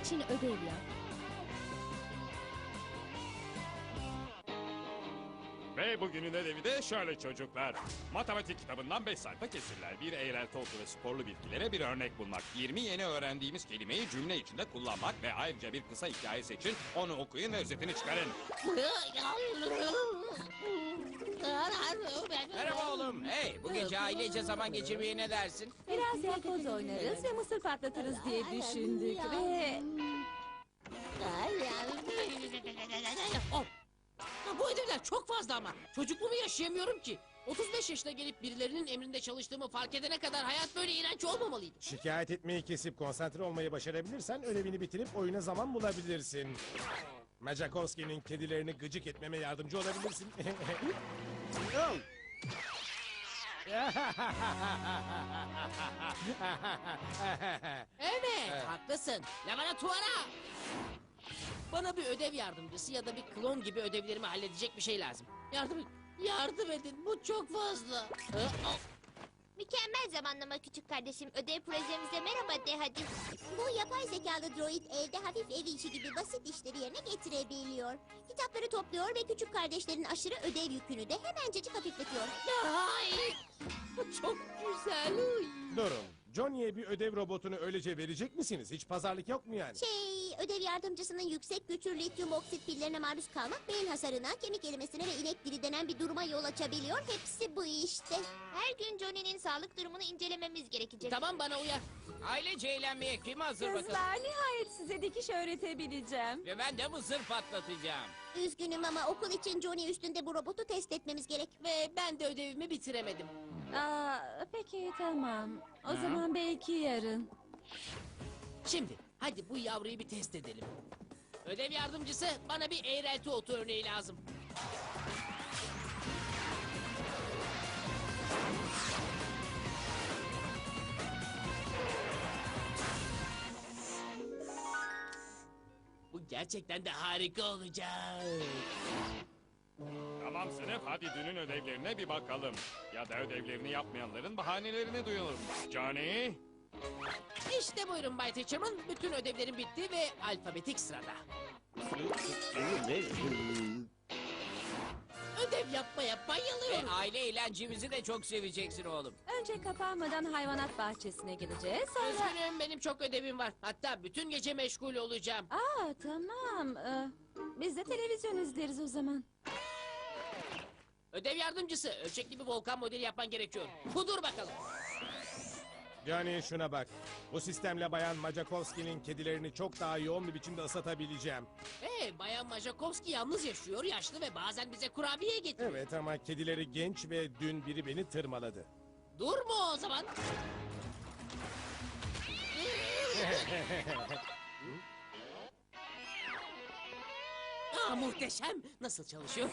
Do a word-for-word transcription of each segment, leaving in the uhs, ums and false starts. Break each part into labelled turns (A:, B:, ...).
A: için ödev yap.
B: Ve bugünün ödevi de şöyle çocuklar. Matematik kitabından beş sayfa kesirler. Bir eğrelti otu ve sporlu bilgilere bir örnek bulmak. yirmi yeni öğrendiğimiz kelimeyi cümle içinde kullanmak ve ayrıca bir kısa hikaye seçin. Onu okuyun ve özetini çıkarın.
C: Merhaba oğlum. Hey, bu gece ailece zaman geçirmeye ne dersin?
A: Biraz yakoz oynarız ve mısır patlatırız diye düşündük ve...
D: Oh. Ya bu ödevler çok fazla ama. Çocukluğumu yaşayamıyorum ki. otuz beş yaşına gelip birilerinin emrinde çalıştığımı fark edene kadar hayat böyle iğrenç olmamalıydı.
E: Şikayet etmeyi kesip konsantre olmayı başarabilirsen ödevini bitirip oyuna zaman bulabilirsin. Majakowski'nin kedilerini gıcık etmeme yardımcı olabilirsin. Oh!
D: Evet, haklısın. Laboratuvara. Bana bir ödev yardımcısı ya da bir klon gibi ödevlerimi halledecek bir şey lazım. Yardım edin. Yardım edin. Bu çok fazla. Hı, oh.
F: Mükemmel zamanlama küçük kardeşim. Ödev projemize merhaba de hadi. Bu yapay zekalı droid evde hafif ev işi gibi basit işleri yerine getirebiliyor. Kitapları topluyor ve küçük kardeşlerin aşırı ödev yükünü de hemencecik hafifletiyor.
D: Ay, bu çok güzel. Uy.
E: Durun. Johnny'ye bir ödev robotunu öylece verecek misiniz? Hiç pazarlık yok mu yani?
F: Şey, ödev yardımcısının yüksek güçlü lityum oksit pillerine maruz kalmak beyin hasarına, kemik erimesine ve inek dili denen bir duruma yol açabiliyor. Hepsi bu işte. Her gün Johnny'nin sağlık durumunu incelememiz gerekecek.
D: Tamam, bana uyar.
C: Ailece eğlenmeye kim hazır bakalım?
A: Kızlar, nihayet size dikiş öğretebileceğim.
C: Ve ben de mısır patlatacağım.
F: Üzgünüm ama okul için Johnny üstünde bu robotu test etmemiz gerek.
D: Ve ben de ödevimi bitiremedim.
A: Aa, peki tamam. O zaman belki yarın.
D: Şimdi hadi bu yavruyu bir test edelim. Ödev yardımcısı, bana bir eğrelti otu örneği lazım. Bu gerçekten de harika olacak.
B: Tamam sınıf, hadi dünün ödevlerine bir bakalım. Ya da ödevlerini yapmayanların bahanelerini duyalım. Johnny?
D: İşte buyurun Bay Teacherman. Bütün ödevlerim bitti ve alfabetik sırada. Ödev yapmaya
C: Ve
D: bayılıyorum.
C: aile eğlencemizi de çok seveceksin oğlum.
A: Önce kapanmadan hayvanat bahçesine gideceğiz. Sonra...
D: Üzgünüm, benim çok ödevim var. Hatta bütün gece meşgul olacağım.
A: Aa, tamam. Ee, biz de televizyon izleriz o zaman.
D: Ödev yardımcısı, ölçekli bir volkan modeli yapman gerekiyor. Kudur bakalım.
E: Johnny şuna bak. Bu sistemle Bayan Majakowski'nin kedilerini çok daha yoğun bir biçimde ısıtabileceğim.
D: Hey, Bayan Majakowski yalnız yaşıyor, yaşlı ve bazen bize kurabiye getiriyor.
E: Evet ama kedileri genç ve dün biri beni tırmaladı.
D: Dur mu o zaman? Aa, muhteşem. Nasıl çalışıyor?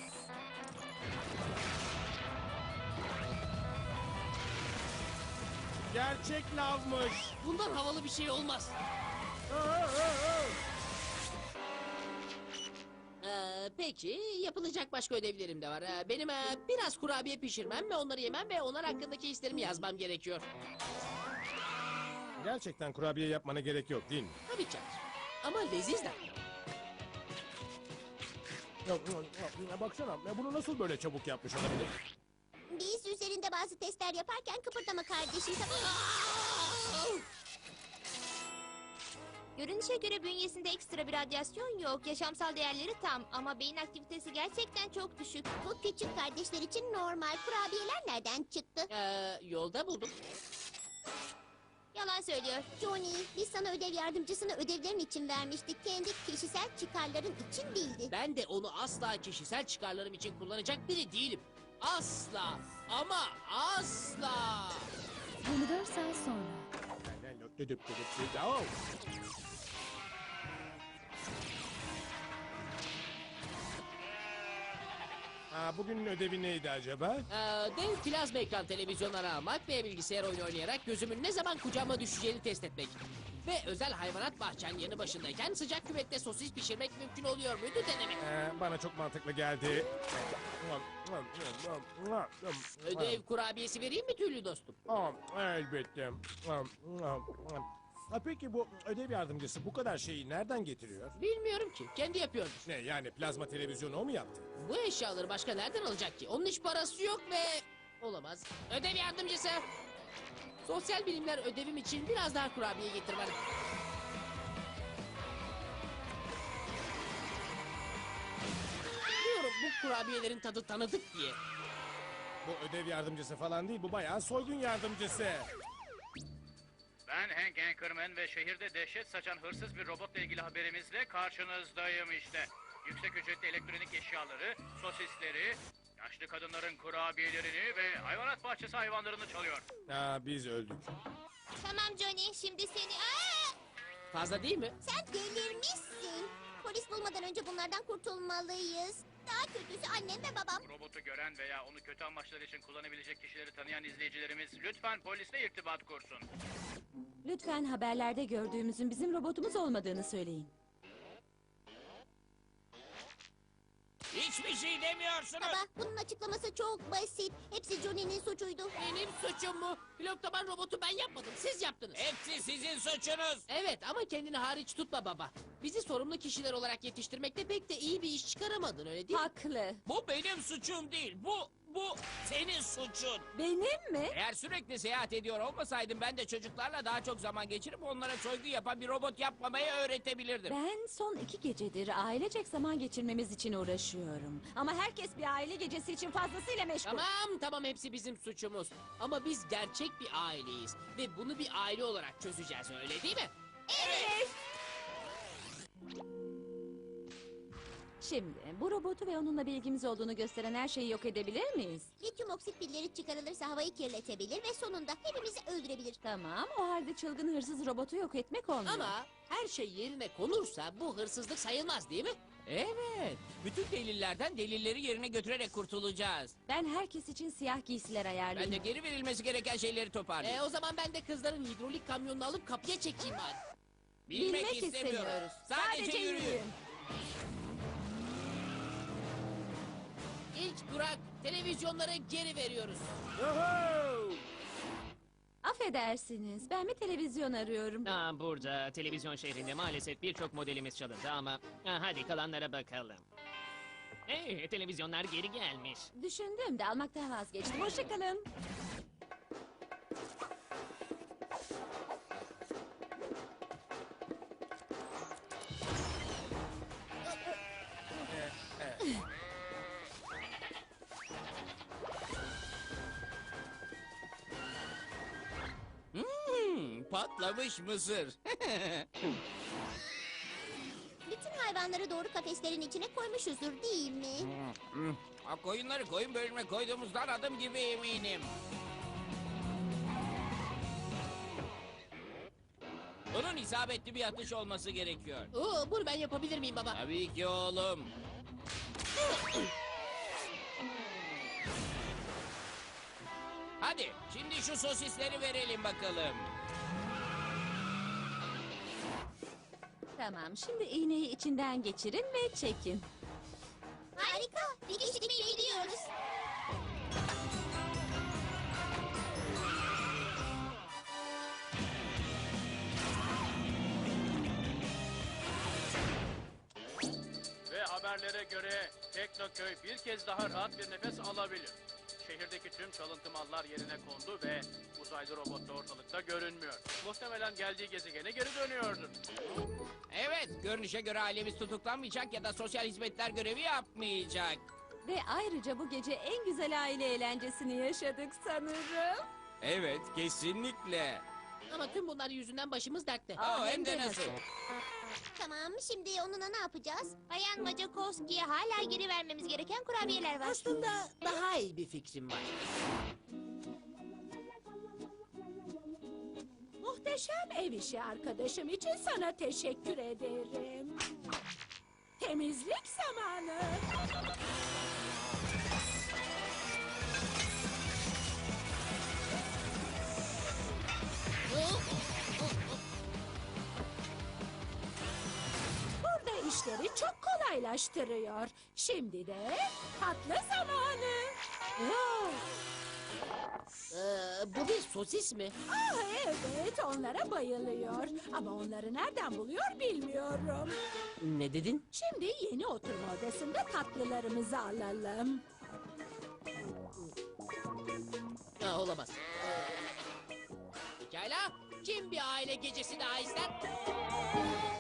E: Gerçek lavmış.
D: Bundan havalı bir şey olmaz. Ee, peki, yapılacak başka ödevlerim de var. Ee, benim e, biraz kurabiye pişirmem ve onları yemem ve onlar hakkındaki hislerimi yazmam gerekiyor.
E: Gerçekten kurabiye yapmana gerek yok değil mi?
D: Tabii ki. Ama lezizler.
E: Ya, ya, ya, baksana ya bunu nasıl böyle çabuk yapmış olabilir?
F: Biz üzerinde bazı testler yaparken kıpırdama kardeşim. Tamam. Görünüşe göre bünyesinde ekstra bir radyasyon yok. Yaşamsal değerleri tam ama beyin aktivitesi gerçekten çok düşük. Bu küçük kardeşler için normal. Kurabiyeler nereden çıktı?
D: Ee, yolda buldum.
F: Yalan söylüyor. Johnny, biz sana ödev yardımcısını ödevlerin için vermiştik. Kendi kişisel çıkarların için değildi.
D: Ben de onu asla kişisel çıkarlarım için kullanacak biri değilim. Asla ama asla.
A: yirmi dört saat sonra.
E: Oh! Aa, bugünün ödevi neydi acaba?
D: Ee, dev plazma ekran televizyonları almak ve bilgisayar oyunu oynayarak gözümün ne zaman kucağıma düşeceğini test etmek. Ve özel hayvanat bahçen yanı başındayken sıcak küvette sosis pişirmek mümkün oluyor muydu denemek.
E: Ee, bana çok mantıklı geldi.
D: Ödev kurabiyesi vereyim mi tüylü dostum?
E: Aa, elbette. Ha, peki bu ödev yardımcısı bu kadar şeyi nereden getiriyor?
D: Bilmiyorum ki. Kendi yapıyordur.
E: Ne yani plazma televizyonu o mu yaptı?
D: Bu eşyaları başka nereden alacak ki? Onun hiç parası yok ve... Olamaz. Ödev yardımcısı. Sosyal bilimler ödevim için biraz daha kurabiye getir bana. Biliyorum bu kurabiyelerin tadı tanıdık diye.
E: Bu ödev yardımcısı falan değil, bu bayağı soygun yardımcısı.
G: Ben Hank Anchorman ve şehirde dehşet saçan hırsız bir robotla ilgili haberimizle karşınızdayım işte. Yüksek ücretli elektronik eşyaları, sosisleri, yaşlı kadınların kurabiyelerini ve hayvanat bahçesi hayvanlarını çalıyor.
E: Aa, biz öldük.
F: Tamam Johnny, şimdi seni... Aa!
D: Fazla değil mi?
F: Sen delirmişsin. Polis bulmadan önce bunlardan kurtulmalıyız. Daha kötüsü annem ve babam.
G: Robotu gören veya onu kötü amaçlar için kullanabilecek kişileri tanıyan izleyicilerimiz lütfen polisle irtibat kursun.
A: Lütfen haberlerde gördüğümüzün bizim robotumuz olmadığını söyleyin.
C: Hiçbir şey demiyorsunuz.
F: Baba, bunun açıklaması çok basit. Hepsi Johnny'nin suçuydu.
D: Benim suçum mu? Pilotlaman robotu ben yapmadım. Siz yaptınız.
C: Hepsi sizin suçunuz.
D: Evet ama kendini hariç tutma baba. Bizi sorumlu kişiler olarak yetiştirmekte pek de iyi bir iş çıkaramadın öyle değil mi?
A: Haklı.
C: Bu benim suçum değil. Bu, bu senin suçun.
A: Benim mi?
C: Eğer sürekli seyahat ediyor olmasaydım ben de çocuklarla daha çok zaman geçirip onlara soygu yapan bir robot yapmamayı öğretebilirdim.
A: Ben son iki gecedir ailecek zaman geçirmemiz için uğraşıyorum. Ama herkes bir aile gecesi için fazlasıyla meşgul.
D: Tamam tamam hepsi bizim suçumuz. Ama biz gerçek bir aileyiz. Ve bunu bir aile olarak çözeceğiz öyle değil mi?
A: Evet. Şimdi bu robotu ve onunla bir ilgimiz olduğunu gösteren her şeyi yok edebilir miyiz?
F: Lityum oksit pilleri çıkarılırsa havayı kirletebilir ve sonunda hepimizi öldürebilir.
A: Tamam, o halde çılgın hırsız robotu yok etmek olmuyor.
D: Ama her şey yerine konursa bu hırsızlık sayılmaz değil mi?
C: Evet. Bütün delillerden delilleri yerine götürerek kurtulacağız.
A: Ben herkes için siyah giysiler
C: Ben de
A: ayarlayayım.
C: geri verilmesi gereken şeyleri toparlayayım.
D: E, o zaman ben de kızların hidrolik kamyonunu alıp kapıya çekeyim bari.
C: Bilmek, istemiyoruz. Sadece, yürüyün.
D: İlk durak televizyonları geri veriyoruz.
A: Affedersiniz, ben bir televizyon arıyorum.
H: Aa, burada televizyon şehrinde maalesef birçok modelimiz çalındı ama ha, hadi kalanlara bakalım. Hey, televizyonlar geri gelmiş.
A: Düşündüm de almaktan vazgeçtim. Hoşçakalın.
C: Hmm, patlamış mısır.
F: Bütün hayvanları doğru kafeslerin içine koymuşuzdur değil mi?
C: Hmm, ha, koyunları koyun bölümüne koyduğumuzdan adım gibi eminim. Bunun isabetli bir atış olması gerekiyor.
D: Oo, bunu ben yapabilir miyim baba?
C: Tabii ki oğlum. Hadi şimdi şu sosisleri verelim bakalım.
A: Tamam, şimdi iğneyi içinden geçirin ve çekin.
F: Harika. Dikiş dikmeye gidiyoruz.
G: Ve haberlere göre Teknoköy bir kez daha rahat bir nefes alabilir. Şehirdeki tüm çalıntı mallar yerine kondu ve uzaylı robot da ortalıkta görünmüyor. Muhtemelen geldiği gezegene geri dönüyordur.
C: Evet, görünüşe göre ailemiz tutuklanmayacak ya da sosyal hizmetler görevi yapmayacak.
A: Ve ayrıca bu gece en güzel aile eğlencesini yaşadık sanırım.
C: Evet, kesinlikle.
D: Ama tüm bunlar yüzünden başımız dertte.
C: Aa, hem de nasıl?
F: Tamam, şimdi onunla ne yapacağız? Bayan Macakovski'ye hala geri vermemiz gereken kurabiyeler var.
D: Aslında daha iyi bir fikrim var.
I: Muhteşem ev işi arkadaşım için sana teşekkür ederim. Temizlik zamanı. Burada işleri çok kolaylaştırıyor. Şimdi de tatlı zamanı. Oh.
D: Ee, bu bir sosis mi?
I: Ah evet, onlara bayılıyor. Ama onları nereden buluyor bilmiyorum.
D: Ne dedin?
I: Şimdi yeni oturma odasında tatlılarımızı alalım.
D: Ha, olamaz. Pekala. Kim bir aile gecesi daha ister?